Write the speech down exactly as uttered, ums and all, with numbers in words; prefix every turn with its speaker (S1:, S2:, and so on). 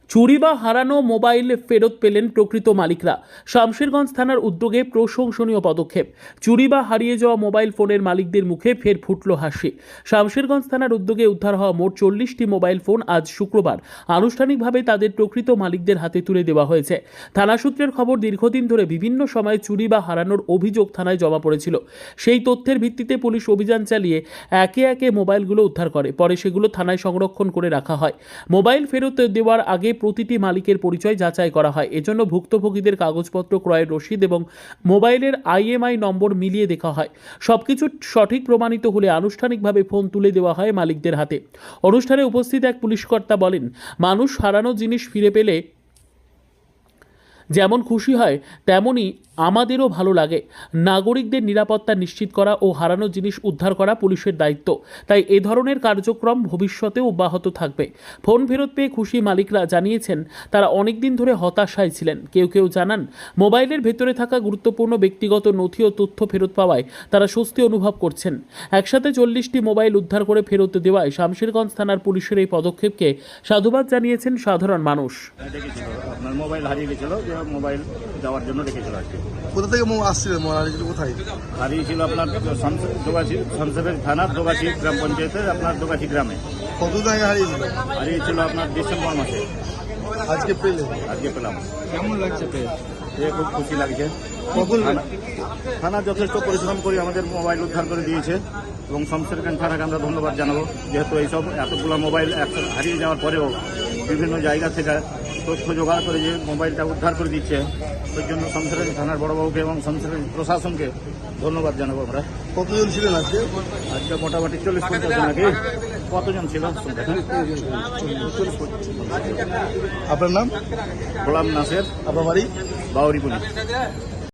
S1: চুরি বা হারানো মোবাইল ফেরত পেলেন প্রকৃত মালিকরা। শামশেরগঞ্জ থানার উদ্যোগে প্রশংসনীয় পদক্ষেপ। চুরি বা হারিয়ে যাওয়া মোবাইল ফোনের মালিকদের মুখে ফের ফুটল হাসি। শামশেরগঞ্জ থানার উদ্যোগে উদ্ধার হওয়া মোট চল্লিশটি মোবাইল ফোন আজ শুক্রবার আনুষ্ঠানিকভাবে তাদের প্রকৃত মালিকদের হাতে তুলে দেওয়া হয়েছে। থানা সূত্রের খবর, দীর্ঘদিন ধরে বিভিন্ন সময় চুরি বা হারানোর অভিযোগ থানায় জমা পড়েছিল। সেই তথ্যের ভিত্তিতে পুলিশ অভিযান চালিয়ে একে একে মোবাইলগুলো উদ্ধার করে। পরে সেগুলো থানায় সংরক্ষণ করে রাখা হয়। মোবাইল ফেরত দেওয়ার আগে প্রতিটি মালিকের পরিচয় যাচাই করা হয়। এজন্য ভুক্তভোগীদের কাগজপত্র, ক্রয়ের রসিদ এবং মোবাইলের আইএমআই নম্বর মিলিয়ে দেখা হয়। সবকিছু সঠিক প্রমাণিত হলে আনুষ্ঠানিকভাবে ফোন তুলে দেওয়া হয় মালিকদের হাতে। অনুষ্ঠানে উপস্থিত এক পুলিশকর্তা বলেন, মানুষ হারানো জিনিস ফিরে পেলে যেমন খুশি হয় তেমনই আমাদেরও ভালো লাগে। নাগরিকদের নিরাপত্তা নিশ্চিত করা ও হারানো জিনিস উদ্ধার করা পুলিশের দায়িত্ব। তাই এ ধরনের কার্যক্রম ভবিষ্যতেও অব্যাহত থাকবে। ফোন ফেরত পেয়ে খুশি মালিকরা জানিয়েছেন, তারা অনেকদিন ধরে হতাশায় ছিলেন। কেউ কেউ জানান, মোবাইলের ভেতরে থাকা গুরুত্বপূর্ণ ব্যক্তিগত নথি ও তথ্য ফেরত পাওয়ায় তারা স্বস্তি অনুভব করছেন। একসাথে চল্লিশটি মোবাইল উদ্ধার করে ফেরত দেওয়ায় শামশেরগঞ্জ থানার পুলিশের এই পদক্ষেপকে সাধুবাদ জানিয়েছেন সাধারণ মানুষ।
S2: আপনার মোবাইল হারিয়ে গেছিল, যে মোবাইল দেওয়ার জন্য রেখেছিল আর কি।
S3: কোথা থেকে আসছিলেন? কোথায়
S2: হারিয়েছিল? আপনার দোগাছি, শামশেরগঞ্জ থানার দোগাছি গ্রাম পঞ্চায়েতের আপনার দোগাছি গ্রামে।
S3: কত জায়গায় হারিয়েছিল?
S2: হারিয়েছিল আপনার ডিসেম্বর মাসে।
S3: আজকে পেলে?
S2: আজকে পেলাম।
S3: কেমন লাগছে পেয়ে?
S2: খুব খুশি লাগছে।
S3: কখন?
S2: থানা যথেষ্ট পরিশ্রম করে আমাদের মোবাইল উদ্ধার করে দিয়েছে এবং শামশেরগঞ্জ থানাকে আমরা ধন্যবাদ জানাবো, যেহেতু এইসব এতগুলো মোবাইল একসাথে হারিয়ে যাওয়ার পরেও বিভিন্ন জায়গা থেকে তথ্য জোগাড় করে যে মোবাইলটা উদ্ধার করে দিচ্ছে, ওই জন্য শামশেরগঞ্জ থানার বড়বাবুকে এবং শামশেরগঞ্জ প্রশাসনকে ধন্যবাদ জানাবো আমরা।
S3: কতজন ছিলেন আজকে?
S2: আজকে মোটামুটি চল্লিশ পঞ্চাশ জন নাকি? কতজন ছিল?
S3: আপনার নাম?
S2: গোলাম নাসের,
S3: আপনার বাড়ি?
S2: বাউরি পুলিশ।